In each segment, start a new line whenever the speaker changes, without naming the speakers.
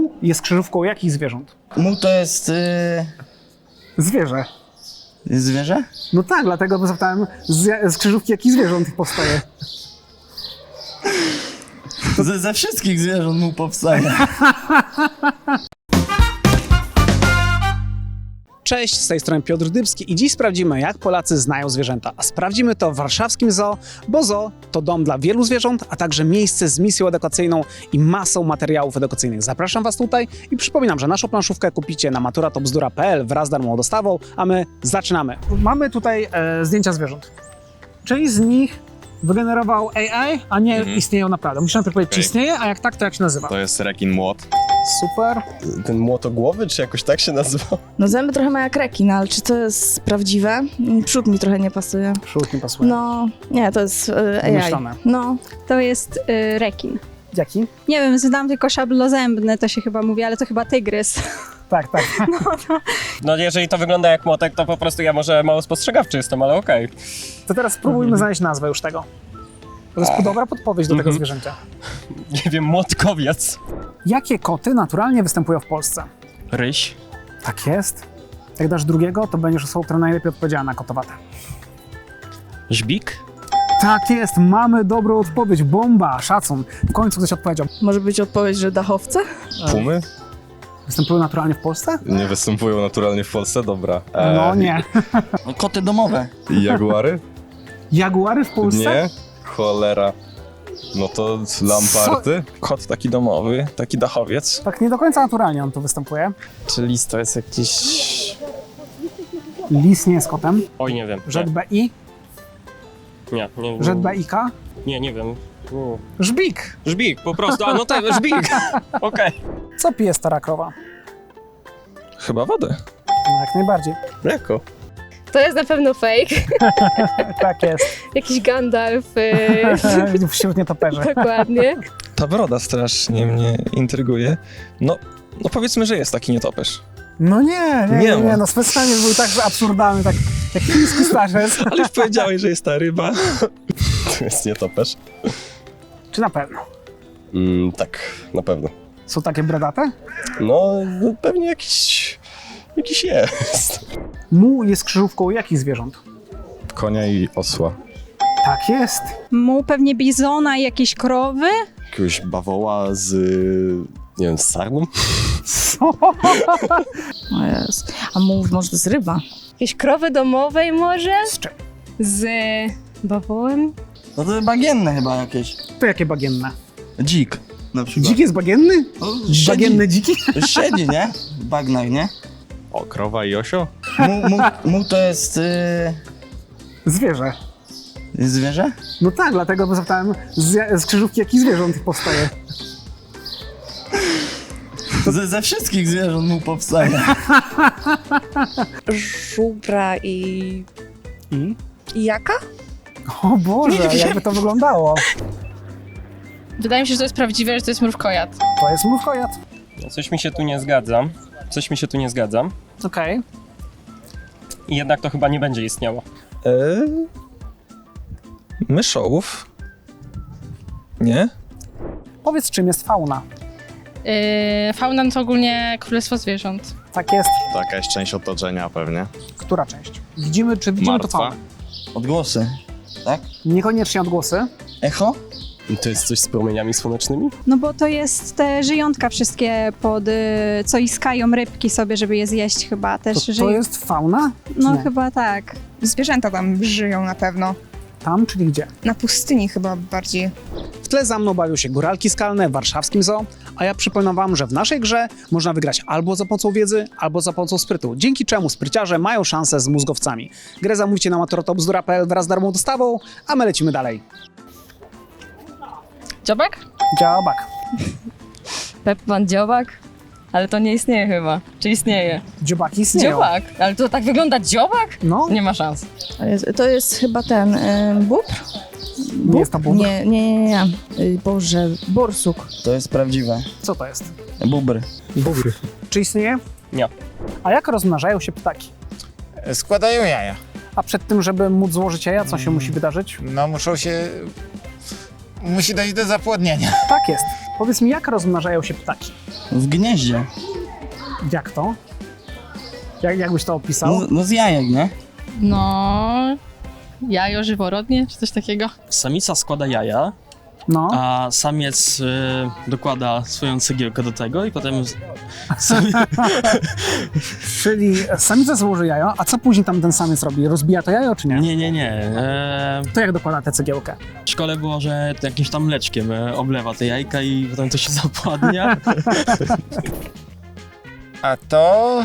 Muł jest krzyżówką jakich zwierząt?
Muł to jest
Zwierzę.
zwierzę?
No tak, dlatego zapytałem z krzyżówki jakich zwierząt powstaje.
Ze wszystkich zwierząt muł powstaje.
Cześć, z tej strony Piotr Dybski i dziś sprawdzimy, jak Polacy znają zwierzęta. A sprawdzimy to w warszawskim zoo, bo zoo to dom dla wielu zwierząt, a także miejsce z misją edukacyjną i masą materiałów edukacyjnych. Zapraszam Was tutaj i przypominam, że naszą planszówkę kupicie na maturatobzdura.pl wraz z darmową dostawą, a my zaczynamy. Mamy tutaj zdjęcia zwierząt. Część z nich wygenerował AI, a nie istnieją naprawdę. Musisz najpierw powiedzieć, czy istnieje, a jak tak, to jak się nazywa.
To jest rekin młot.
Super.
Ten młotogłowy, czy jakoś tak się nazywa?
No zęby trochę ma jak rekin, ale czy to jest prawdziwe? Przód mi trochę nie pasuje.
Przód nie pasuje.
No, nie, to jest AI.
Wymyślone.
No,
To jest rekin.
Jaki?
Nie wiem, znam tylko szablozębny, to się chyba mówi, ale to chyba tygrys.
Tak, tak.
No jeżeli to wygląda jak młotek, to po prostu ja może mało spostrzegawczy jestem, ale okej.
To teraz spróbujmy znaleźć nazwę już tego. To jest dobra podpowiedź do tego zwierzęcia.
Nie wiem, młotkowiec.
Jakie koty naturalnie występują w Polsce?
Ryś.
Tak jest. Jak dasz drugiego, to będziesz osobą, która najlepiej odpowiedziała na kotowate.
Żbik?
Tak jest, mamy dobrą odpowiedź. Bomba, szacun. W końcu ktoś odpowiedział.
może być odpowiedź, że dachowce?
Pumy?
Występują naturalnie w Polsce?
Nie występują naturalnie w Polsce? Dobra.
No nie.
Koty domowe.
I jaguary?
Jaguary w Polsce?
Nie? Cholera. No to lamparty?
Kot taki domowy, taki dachowiec.
Tak nie do końca naturalnie on tu występuje.
Czy lis to jest jakiś...
Lis nie jest kotem.
Oj, nie wiem.
Rzet BI?
Nie.
Rzet BIK?
Nie wiem.
Żbik.
Żbik, po prostu, a no tak, żbik. Okej.
Co pije stara krowa?
Chyba wodę.
No jak najbardziej.
Jako?
To jest na pewno fake.
Tak jest.
Jakiś Gandalf.
Wśród nietoperzy.
Dokładnie.
Ta broda strasznie mnie intryguje. No powiedzmy, że jest taki nietoperz.
No nie,
Nie ma.
no specjalnie był tak absurdalny, tak jak chiński starzec.
Ale już powiedziałeś, że jest ta ryba.
To jest nietoperz.
Czy na pewno?
Tak, na pewno.
Są takie brodate?
No, pewnie jakiś jest.
Muł jest krzyżówką jakich zwierząt?
Konia i osła.
Tak jest.
Muł pewnie bizona i jakieś krowy?
Jakiegoś bawoła z... nie wiem, z sarną?
O jest. A mów, może to jest ryba?
Jakieś krowy domowej może?
Z czym?
Z bawołem?
No to bagienne chyba jakieś.
To jakie bagienne?
Dzik na przykład.
Dzik jest bagienny?
No,
Bagienny dziki?
Siedzi, nie? W bagnach, nie?
O, krowa i osio?
Muł to jest
Zwierzę.
zwierzę?
No tak, dlatego zapytałem z krzyżówki jakich zwierząt powstaje.
Ze wszystkich zwierząt muł powstaje.
Żubra i
I?
jaka?
O Boże, jakby to wyglądało.
Wydaje mi się, że to jest prawdziwe, że to jest mrówkojad.
To jest mrówkojad.
Coś mi się tu nie zgadzam.
Okej.
I jednak to chyba nie będzie istniało.
Myszołów? Nie?
Powiedz, czym jest fauna?
Fauna to ogólnie królestwo zwierząt.
Tak jest.
To jakaś część otoczenia pewnie.
Która część? Widzimy to
Martwa.
faunę?
Odgłosy, tak?
Niekoniecznie odgłosy.
Echo?
To jest coś z promieniami słonecznymi?
No bo to jest te żyjątka wszystkie co iskają rybki sobie, żeby je zjeść chyba też.
To jest fauna?
No
nie?
chyba tak.
Zwierzęta tam żyją na pewno.
Tam, czyli gdzie?
Na pustyni chyba bardziej.
W tle za mną bawią się góralki skalne w warszawskim zoo, a ja przypominam wam, że w naszej grze można wygrać albo za pomocą wiedzy, albo za pomocą sprytu, dzięki czemu spryciarze mają szansę z mózgowcami. Grę zamówicie na maturatobzdura.pl wraz z darmową dostawą, a my lecimy dalej.
Dziobak?
Działabak.
Peppan dziobak? Ale to nie istnieje chyba. Czy istnieje?
Dziobaki istnieją.
Dziobak? Ale to tak wygląda dziobak?
No,
Nie ma szans.
To jest chyba ten bóbr?
nie jest to bóbr.
Nie. Boże, borsuk.
To jest prawdziwe.
Co to jest?
Bubr.
Bóbr. Czy istnieje?
Nie.
A jak rozmnażają się ptaki?
Składają jaja.
A przed tym, żeby móc złożyć jaja, co się musi wydarzyć?
No musi dojść do zapłodnienia.
Tak jest. Powiedz mi, jak rozmnażają się ptaki?
W gnieździe.
Jak to? Jakbyś to opisał?
No z jajek, nie?
No... Jajo żyworodnie, czy coś takiego?
Samica składa jaja,
No.
a samiec dokłada swoją cegiełkę do tego i potem...
Czyli samica złoży jajo, a co później tam ten samiec robi? Rozbija to jajo, czy nie?
Nie.
To jak dokłada tę cegiełkę?
W szkole było, że jakimś tam mleczkiem oblewa te jajka i potem to się zapładnia.
A to...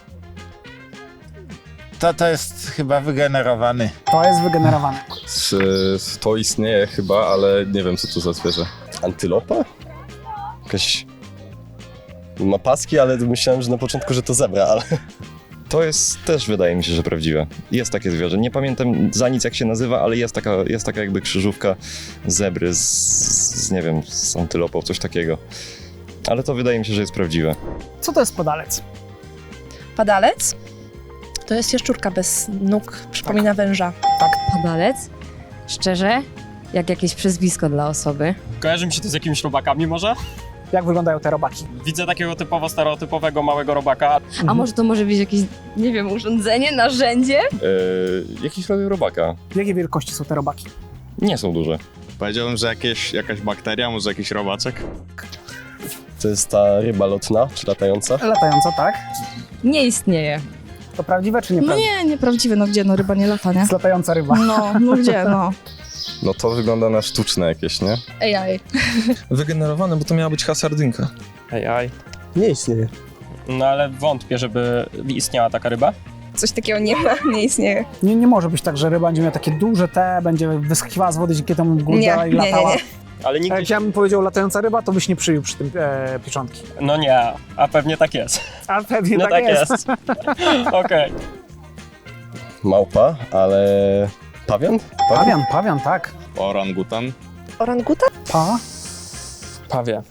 To jest chyba wygenerowany.
To jest wygenerowane.
To istnieje chyba, ale nie wiem co to za zwierzę.
Antylopa? Jakaś... Ma paski, ale myślałem, że na początku, że to zebra, ale... To jest też, wydaje mi się, że prawdziwe. Jest takie zwierzę. Nie pamiętam za nic jak się nazywa, ale jest taka jakby krzyżówka zebry z nie wiem, z antylopą, coś takiego. Ale to wydaje mi się, że jest prawdziwe.
Co to jest podalec?
Padalec? To jest jaszczurka bez nóg, przypomina węża.
Padalec? Szczerze? Jak jakieś przezwisko dla osoby.
Kojarzy mi się to z jakimiś robakami może?
Jak wyglądają te robaki?
Widzę takiego typowo stereotypowego małego robaka.
A może to może być jakieś, nie wiem, urządzenie, narzędzie?
Jakiś rodzaj robaka.
Jakiej wielkości są te robaki?
Nie są duże.
Powiedziałbym, że jakaś bakteria, może jakiś robaczek.
To jest ta ryba lotna, czy latająca?
Latająca, tak?
Nie istnieje.
To prawdziwe czy
No
nieprawdziwe?
nie, nieprawdziwe, no gdzie, no ryba nie lata, nie?
Jest latająca ryba.
No gdzie, no.
No to wygląda na sztuczne jakieś, nie?
AI.
Wygenerowane, bo to miała być hasardynka.
Ej.
Nie istnieje.
No ale wątpię, żeby istniała taka ryba.
Coś takiego nie ma, nie istnieje.
Nie może być tak, że ryba będzie miała takie duże będzie wyskakiwała z wody, dzięki temu górza i latała.
Ale
A
nigdy
jak ja bym powiedział latająca ryba, to byś nie przyjął przy tym pieczątki.
No nie, a pewnie tak jest.
A pewnie
No
tak jest.
Okej.
Małpa, ale... Pawian?
Pawian, tak.
Orangutan.
Oranguta?
Pawie.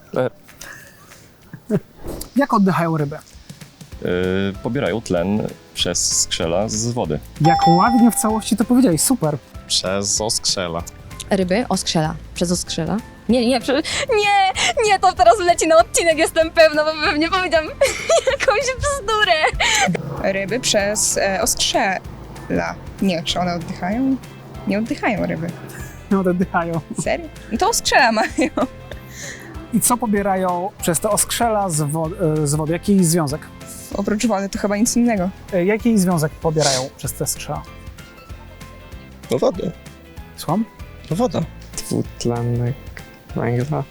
Jak oddychają ryby?
Pobierają tlen przez skrzela z wody.
Jak ładnie w całości to powiedziałeś, super.
Przez oskrzela.
Ryby? Oskrzela. Przez oskrzela? Nie, to teraz leci na odcinek, jestem pewna, bo pewnie powiedziałam jakąś bzdurę.
Ryby przez oskrzela. Nie, czy one oddychają? Nie oddychają ryby.
Nie oddychają.
Serio? No to oskrzela mają.
I co pobierają przez te oskrzela z wody? Jaki związek?
Oprócz wody to chyba nic innego.
Jaki związek pobierają przez te skrzela?
No wodę.
Słucham?
No woda.
Dwutlenek węgla.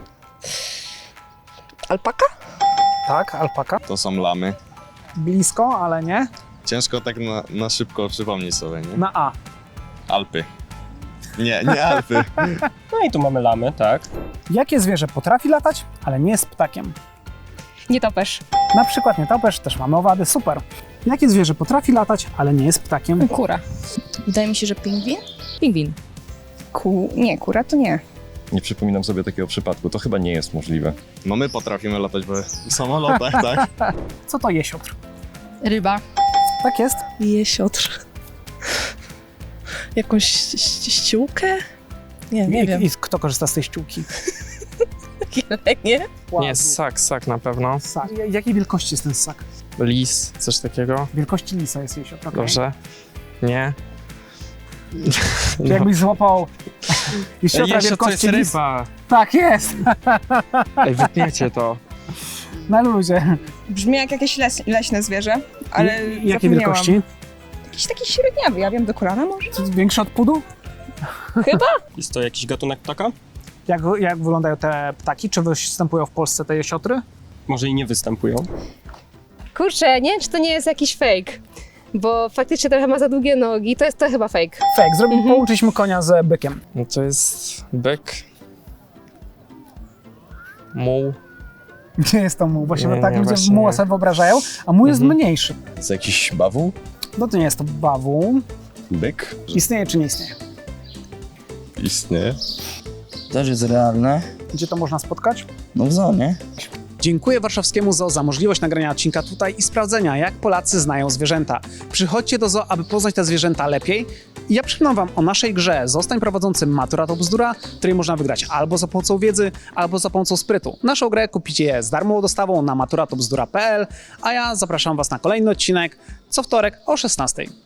Alpaka?
Tak, alpaka.
To są lamy.
Blisko, ale nie.
Ciężko tak na szybko przypomnieć sobie, nie?
Na A.
Alpy. Nie Alpy.
No i tu mamy lamy, tak.
Jakie zwierzę potrafi latać, ale nie jest ptakiem?
Nietoperz.
Na przykład nietoperz, też mamy owady, super. Jakie zwierzę potrafi latać, ale nie jest ptakiem?
Kura.
Wydaje mi się, że pingwin?
Pingwin.
Nie, kura to nie.
Nie przypominam sobie takiego przypadku. To chyba nie jest możliwe.
No my potrafimy latać w samolotach, tak?
Co to jesiotr?
Ryba.
Tak jest.
Jesiotr. Jakąś ściółkę? Nie wiem.
I kto korzysta z tej ściółki?
Nie?
Nie, ssak na pewno.
Ssak. Jakiej wielkości jest ten ssak?
Lis, coś takiego.
Wielkości lisa jest jesiotr. Okay.
Dobrze. Nie.
Czy jakbyś złapał jesiotra
Jeszcze to
wielkości
jest
lisa?
ryba.
Tak jest.
Ej, wytniecie to.
Na luzie.
Brzmi jak jakieś leśne zwierzę, ale
Jakiej
zapomniałam.
wielkości?
Jakiś taki średniawy, ja wiem, do kolana może?
Większy od pudu?
Jest to jakiś gatunek ptaka?
Jak wyglądają te ptaki? Czy występują w Polsce te jesiotry?
Może i nie występują.
Kurczę, nie wiem, czy to nie jest jakiś fake. Bo faktycznie trochę ma za długie nogi, to jest to chyba fake.
Fake. Połączyliśmy konia z bykiem.
No to jest byk. Muł.
Nie jest to muł, bo się
Nie,
tak
nie,
ludzie
właśnie
muła
nie.
sobie wyobrażają, a muł jest mniejszy.
To jakiś bawół?
No to nie jest to bawół.
Byk?
Istnieje czy nie istnieje?
Istnieje.
Też jest realne.
Gdzie to można spotkać?
No w zonie.
Dziękuję Warszawskiemu Zoo za możliwość nagrania odcinka tutaj i sprawdzenia, jak Polacy znają zwierzęta. Przychodźcie do zoo, aby poznać te zwierzęta lepiej, I ja przypomnę wam o naszej grze Zostań prowadzącym Matura to bzdura, której można wygrać albo za pomocą wiedzy, albo za pomocą sprytu. Naszą grę kupicie z darmową dostawą na maturatobzdura.pl, a ja zapraszam was na kolejny odcinek co wtorek o 16:00.